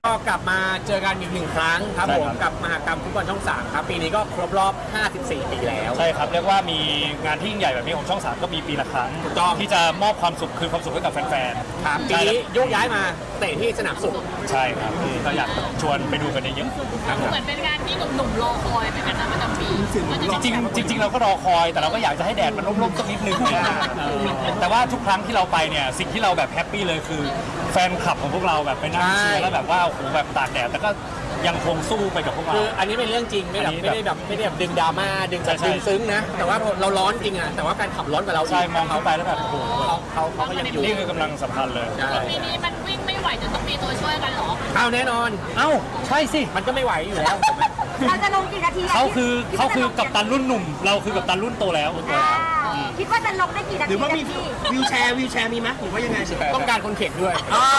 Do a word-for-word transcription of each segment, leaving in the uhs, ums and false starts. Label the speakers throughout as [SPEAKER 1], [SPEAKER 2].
[SPEAKER 1] ก็กลับมาเจอกันอีกหนึ่งครั้งครับผมกับมหกรรมฟุตบอลช่องสามครับปีนี้ก็ครบรอบ ห้าสิบสี่ ปีแล้ว
[SPEAKER 2] ใช่ครับเรียกว่ามีงานที่ยิ่งใหญ่แบบนี้ของช่องสามก็มีปีละครั้ง
[SPEAKER 1] ถูกต้อง
[SPEAKER 2] ที่จะมอบความสุขคืนความสุขให้กับแฟนๆ
[SPEAKER 1] ครับปีนี้โยกย้ายมาเตะที่สนามสุข
[SPEAKER 2] ใช่ครับก็อยากชวนไปดูกันเยอะๆ
[SPEAKER 3] เหมือนเป็นงานที่หนุ่มๆรอคอยเหมือนกันนะประจำปี
[SPEAKER 2] จริงๆจริงๆเราก็รอคอยแต่เราก็อยากจะให้แดดมันร่มๆสักนิดนึงแต่ว่าทุกครั้งที่เราไปเนี่ยสิ่งที่เราแบบแฮปปี้เลยคือแฟนคลับของพวกเราแบบไปนั่งเชียร์แล้วแบบว่าโอ้โหแบบตากแดดแต่ก็ยังคงสู้ไปกับพวกเรา
[SPEAKER 1] คืออันนี้เป็นเรื่องจริงไม่แบบไม่ได้แบบไม่ได้แบบดึงดราม่าดึงแบบดึงซึ้งนะแต่ว่าเราร้อนจริงอ่ะแต่ว่าแฟนขับร้อนกว่าเรา
[SPEAKER 2] ใช่มองเข้าไปแล้วแบบโอ้โห
[SPEAKER 1] เขาเขาเขาก็ยังอยู่
[SPEAKER 2] นี่คือกำลังสำคัญเลย
[SPEAKER 3] ปีนี้มันวิ่งไม่ไหวจะต้องมีตัวช่วยกันหรอ
[SPEAKER 1] เอาแน่นอน
[SPEAKER 2] เอ้าใช่สิ
[SPEAKER 1] มันก็ไม่ไหวอยู่แล้ว
[SPEAKER 4] เราจะลงกี่นาที
[SPEAKER 2] เขาคือเขาคือกัปตันรุ่นหนุ่มเราคือกัปตันรุ่นโตแล้ว
[SPEAKER 4] คิดว่าจะลงได้กี่นาที
[SPEAKER 5] หรือว่ามีวิวแชร์วิวแชร์มีไหมหรือว่ายังไง
[SPEAKER 1] ต้องการคนเข็นด้วย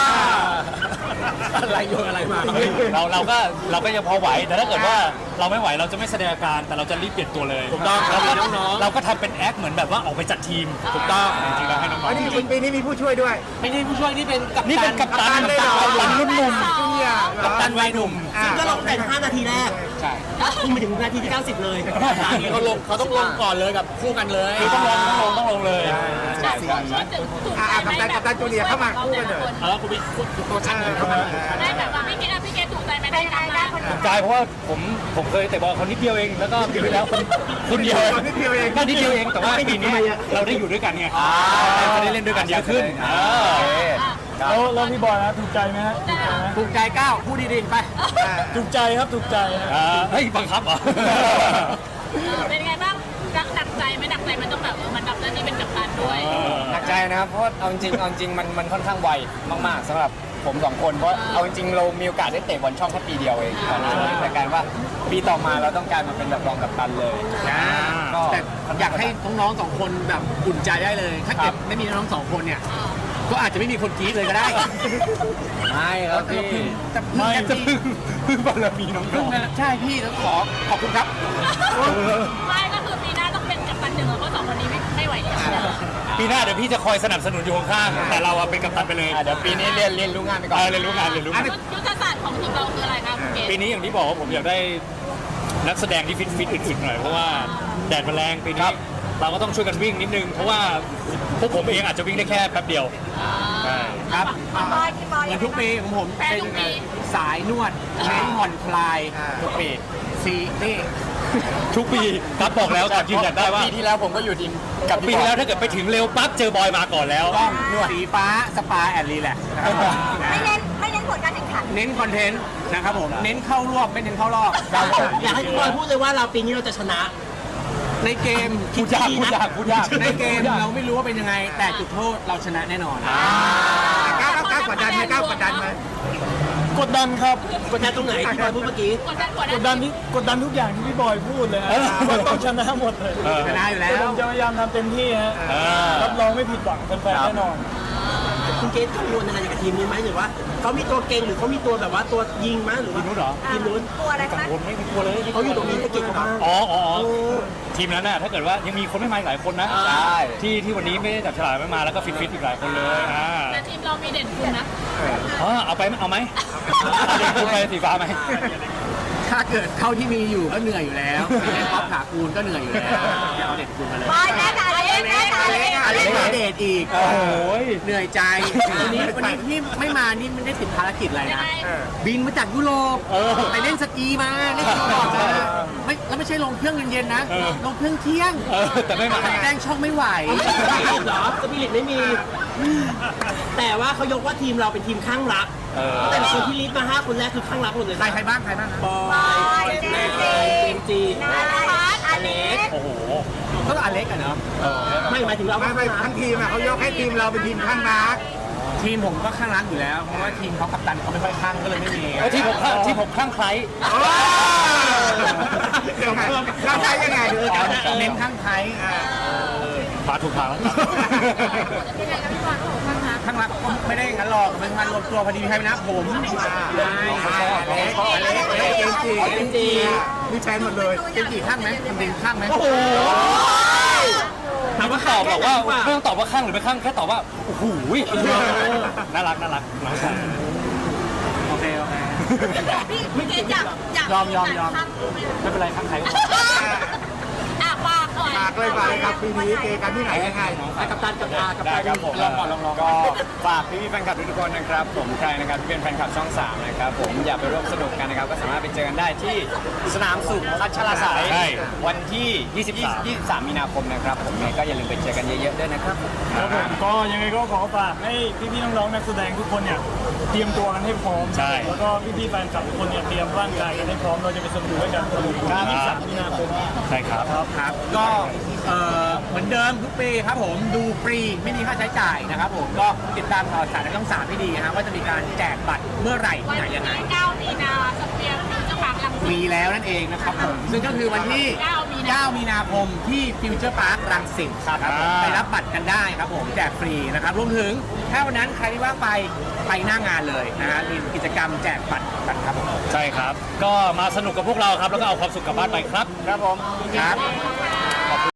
[SPEAKER 1] อะไรโยนอะไรมา
[SPEAKER 2] เราเราก็เราก็ยังพอไหวแต่ถ้าเกิดว่าเราไม่ไหวเราจะไม่แสดงอาการแต่เราจะรีบเปลี่ยนตัวเลย
[SPEAKER 1] ถูกต้อง
[SPEAKER 2] เราก็น้องๆเราก็ทำเป็นแอคเหมือนแบบว่าออกไปจัดทีม
[SPEAKER 1] ถูกต้อง
[SPEAKER 2] จริงๆเราให้น้องๆ
[SPEAKER 5] อันนี้ปีนี้มีผู้ช่วยด้วย
[SPEAKER 1] ไม่ใช่ผู้ช่วยนี่เป็นกัปตัน
[SPEAKER 2] นี่เป็นกัปตันกัปตันรุ่นหนุ่ม
[SPEAKER 1] กัปตันวัยหนุ่ม
[SPEAKER 5] ซึ่งก็ลงแต่ห้านาทีแรก
[SPEAKER 1] ใช่
[SPEAKER 5] คุณมาถึงนาทีที่เก้าสิบเลย
[SPEAKER 1] เขาลงเขาต้องลงก่อนเลยกับคู่กันเลย
[SPEAKER 2] ต้องลงต้องลงต้องลงเลย
[SPEAKER 5] อ่ากัปตันกัปตันจูเนียร์เข้ามาคู่กันเลย
[SPEAKER 1] เออคุณพี่ตัวชัดเลยเข้ามา
[SPEAKER 3] ได้แบบว่าพี่เกดพี่เกดถูกใจไหมได้ได้ได้
[SPEAKER 2] ถูกใจเพราะว่าผมผมเคยเตะบอลคนนิดเดียวเองแล้วก็ปีที่แล้วคนคนเดียว
[SPEAKER 5] นิดเดียวเอง
[SPEAKER 2] ก็นิดเดียวเองแต่ว่าปีนี้เราได้อยู่ด้วยกันไงเราได้เล่นด้วยกันเยอะขึ้น
[SPEAKER 6] แล้วแล้วพี่บอยนะถูกใจไหมฮะ
[SPEAKER 1] ถูกใจก้าวพูดดีๆไป
[SPEAKER 6] ถูกใจครับถูกใจ
[SPEAKER 2] เฮ้ยบังคับเหรอ
[SPEAKER 3] เป็นไงบ้างหนักใจไหมหนักใจมันต้องแบบมันแบบแล้วนี่เป็นกัปตันด้วย
[SPEAKER 7] หนักใจนะครับเพราะเอาจริงเอาจริงมันมันค่อนข้างไวมากๆสำหรับผมสองคนเพราะเอาจริงเรามีโอกาสได้เตะบอลช่องแค่ปีเดียวเองตอนนั้นแต่การว่าปีต่อมาเราต้องการมาเป็นแบบรองกัปตันเลย
[SPEAKER 1] ก็อยากให้น้องๆสองคนแบบอุ่นใจได้เลยถ้าเกิดไม่มีน้องๆสองคนเนี่ยก็อาจจะไม่มีคนกรี๊ดเลยก็ได้
[SPEAKER 7] ไม่ครับพี่
[SPEAKER 1] จะ
[SPEAKER 2] ไม่
[SPEAKER 1] จะ
[SPEAKER 2] พึ่งพึ่งบารมีน้อง
[SPEAKER 1] ๆใช่พี่แล้วขอขอบคุณครับ
[SPEAKER 3] ไม่ก็คือปีหน้าต้องเป็นกัปตันหนึ่งแล้วก็สองคนนี้ไม่ไม่ไหวแล้ว
[SPEAKER 2] ปีหน้าเดี๋ยวพี่จะคอยสนับสนุนอยู่ข้างๆแต่เราเป็นกัปตันไปเลย
[SPEAKER 7] เดี๋ยวปีนี้เรียนเรียนรู้งานไปก่อน
[SPEAKER 2] เรียนรู้งานเรียนรู้
[SPEAKER 3] ยุทธศาสตร์ของทีมเราคืออะไรครับ
[SPEAKER 2] ปีนี้อย่างที่บอกว่าผมอยากได้นักแสดงที่ฟิตฟิตอึดๆหน่อยเพราะว่าแดดมันแรงปีนี้เราก็ต้องช่วยกันวิ่งนิดนึงเพราะว่าพวกผมเองอาจจะวิ่งได้แค่แป๊บเดียว
[SPEAKER 1] ครับเหมือนทุกปีของผมเป็นสายนวดเน้นผ่อนคลายทุกปีซีนี่
[SPEAKER 2] ทุกปีครับบอกแล้วก่อนยืนยันได้ว่า
[SPEAKER 7] ปีที่แล้วผมก็อยู่ทีม
[SPEAKER 2] กับปีที่แล้วถ้าเกิดไปถึงเร็วปั๊บเจอบอยมาก่อนแล้ว
[SPEAKER 1] ต้องนวดสีฟ้าสปาแอนด์รีแลกซ์
[SPEAKER 4] ไม่เน้นไม่เน้นผลการแข่งขัน
[SPEAKER 1] เน้นคอนเทนต์นะครับผมเน้นเข้ารอบไม่เน้นเข้ารอบ
[SPEAKER 5] อยากให้คุณบอยพูดเลยว่าเราปีนี้เราจะชนะ
[SPEAKER 1] ในเกม
[SPEAKER 2] พูดยากพูดยากพูดยาก
[SPEAKER 1] ในเกมเราไม่รู้ว่าเป็นยังไงแต่จุดโทษเราชนะแน่นอน
[SPEAKER 5] ก้าวก้าวกดดันไหมก้าวกดดันไหม
[SPEAKER 6] กดดันครับ
[SPEAKER 5] กดดันตรงไหนที่บอยพูดเมื่อกี้
[SPEAKER 3] กดดัน
[SPEAKER 6] กดดันที่กดดันทุกอย่างที่พี่บอยพูดเลยว่าต้องชนะหมดเลย
[SPEAKER 1] ชนะอยู่แล้ว
[SPEAKER 6] ผมจะพยายามทำเต็มที่ฮะรับรองไม่ผิดหวังแฟนๆแน่นอน
[SPEAKER 5] คุณเกตกังวลอะไรกับทีมนี้ไหมหรือว่าเขามีตัวเก่งหรือเขามีตัวแบบว่าตัวยิงไหมหรือ
[SPEAKER 2] ทีมนู้นเหรอ
[SPEAKER 5] ทีมนู้น
[SPEAKER 4] ตัวอะไรคะ
[SPEAKER 2] ผมไม่มีตัวเลย
[SPEAKER 5] เขาอยู่ตรงนี้จะเก่งมาก
[SPEAKER 2] อ๋ออ๋อทีมนั้นน่ะถ้าเกิดว่ายังมีคนไม่มาหลายคนนะ
[SPEAKER 7] ใช่
[SPEAKER 2] ที่ที่วันนี้ไม่ได้จับฉลากไม่มาแล้วก็ฟิตฟิตอีกหลายคนเลยอ่า
[SPEAKER 3] แต่ทีมเรามีเด่นคุณนะ
[SPEAKER 2] อ๋อเอาไปเอาไหมเด่นคุณไปสีฟ้าไหม
[SPEAKER 1] ถ้าเกิดเท่าที่มีอยู่ก็เหนื่อยอยู่แล้วเล่นป๊อปขาคูนก็เหนื่อยอยู่แล้วอย่าเอาเด็ดคูนมาเลย
[SPEAKER 4] บอยแม่ค่ะเล็กแม่ค่ะเล็ก
[SPEAKER 1] เล็กเด็ดอีก
[SPEAKER 2] โอ้ย
[SPEAKER 1] เหนื่อยใจวันนี้วันนี้ที่ไม่มานี่ไม่ได้ติดภารกิจอะไรนะบินมาจากยุโรปไปเล่นสกีมาเล่นสกีมาไม่แล้วไม่ใช่ลงเครื่องเย็นๆนะลงเครื่องเที่ยง
[SPEAKER 2] แต่ไม่มา
[SPEAKER 1] แจ้งช่องไม่ไหว
[SPEAKER 5] เหรอสปิริตไม่มีแต่ว่าเขายกว่าทีมเราเป็นทีมข้างรักแต่คนที่ลิสต์มาห้าคนแรกคือข้างรักหมดเลย
[SPEAKER 1] ใครใครบ้างใครบ้าง
[SPEAKER 5] บอยเจมส์จี
[SPEAKER 4] นาพัฒน์อเล็ก
[SPEAKER 2] โอ้โห
[SPEAKER 1] ก็อเล็กอะเนาะ
[SPEAKER 5] ไม่หมายถึงเรา
[SPEAKER 7] ไม่ไม่ทั้งทีมอะเขายกให้ทีมเราเป็นทีมข้างรัก
[SPEAKER 1] ทีมผมก็ข้างรักอยู่แล้วเพราะว่าทีมเขากัปตันเขาไม่ค่อยข้างก็เลยไม่มี
[SPEAKER 2] ทีมผมทีมผมข้างใคร
[SPEAKER 7] ข้างใครยังไง
[SPEAKER 1] เน้นข้างใคร
[SPEAKER 2] พาถูกทางแล้ว
[SPEAKER 1] ข้างรักก็ไม่ได้งั้นหรอกเป็นงานรวมตัวพอดีมีใครนะผม
[SPEAKER 7] ใช่อเล็กอเล็กอเล็กเจมจีเจมจีมีแฟนหมดเลย
[SPEAKER 1] เจมจีข้างไหมทำดินข้างไหม
[SPEAKER 2] โอ้โหถามว่าตอบบอกว่าไม่ต้องตอบว่าข้างหรือไม่ข้างแค่ตอบว่าโอ้โหน่ารักน่ารักน้องชาย
[SPEAKER 1] โอเคโอเค
[SPEAKER 3] พี่พี่เกดอยากอยาก
[SPEAKER 1] ยอมยอมยอม
[SPEAKER 3] ข้างรู้ไหม
[SPEAKER 2] ไม่เป็นไรข้างใครก็
[SPEAKER 3] อ่ะฝากหน่อย
[SPEAKER 1] ฝากเลยฝากเลยครับปีนี้เจอกันที่ไหนยังไงกับตันกับอากับ
[SPEAKER 7] ได้
[SPEAKER 1] ตัน
[SPEAKER 7] ครับผม
[SPEAKER 1] ลองก่อนลองลอง
[SPEAKER 7] ก็ฝากพี่ๆแฟนคลับทุกๆคนนะครับผมใครนะครับที่เป็นแฟนคลับช่องสามนะครับผมอยากไปร่วมสนุกกันนะครับก็สามารถไปเจอกันได้ที่สนามสุขพัชรสาย
[SPEAKER 2] ใช่
[SPEAKER 7] วันที่ยี่สิบสามมีนาคมนะครับผมยังไงก็อย่าลืมไปเจอกันเยอะๆด้วยนะครับ
[SPEAKER 6] ครับผมก็ยังไงก็ขอฝากให้พี่ๆน้องๆนักแสดงทุกคนเนี่ยเตรียมตัวกันให้พร้อม
[SPEAKER 2] ใช่
[SPEAKER 6] แล้วก็พี่ๆแฟนคลับทุกคนเนี่ยเตรียมร่างกายกันให้พร้อมเราจะไปสนุกด้วยกันครับยี่สิบสามมีนาคม
[SPEAKER 2] ใช่ครับ
[SPEAKER 1] ครับก็เอ่อเหมือนเดิมทุกปีครับผมดูฟรีไม่มีค่าใช้จ่ายนะครับผมก็ติดตามข่าวสารในช่องสามให้ดีนะครับว่าจะมีการแจกบัตรเมื่อไหร่
[SPEAKER 3] วัน
[SPEAKER 1] ที่ไหน
[SPEAKER 3] ที่
[SPEAKER 1] ยังไง
[SPEAKER 3] เก้ามีนาสเปียร์ฟิวเจอร์พาร์คลังสิต
[SPEAKER 1] มีแล้วนั่นเองนะครับผมซึ่งก็คือวันที่
[SPEAKER 3] เก้ามีนา
[SPEAKER 1] เก้ามีนาคมที่ฟิวเจอร์พาร์ครังสิตครับผม
[SPEAKER 2] อ่า
[SPEAKER 1] ไปรับบัตรกันได้ครับผมแจกฟรีนะครับรวมถึงถ้าวันนั้นใครที่ว่างไปไปหน้างานเลยนะฮะมีกิจกรรมแจกบัตรกันครับผม
[SPEAKER 2] ใช่ครับ ก็มาสนุกกับพวกเราครับ แล้วก็เอาความสุขกลับบ้านไปครับ
[SPEAKER 7] ครับผม
[SPEAKER 1] ครับ
[SPEAKER 3] ขอบคุณค่ะ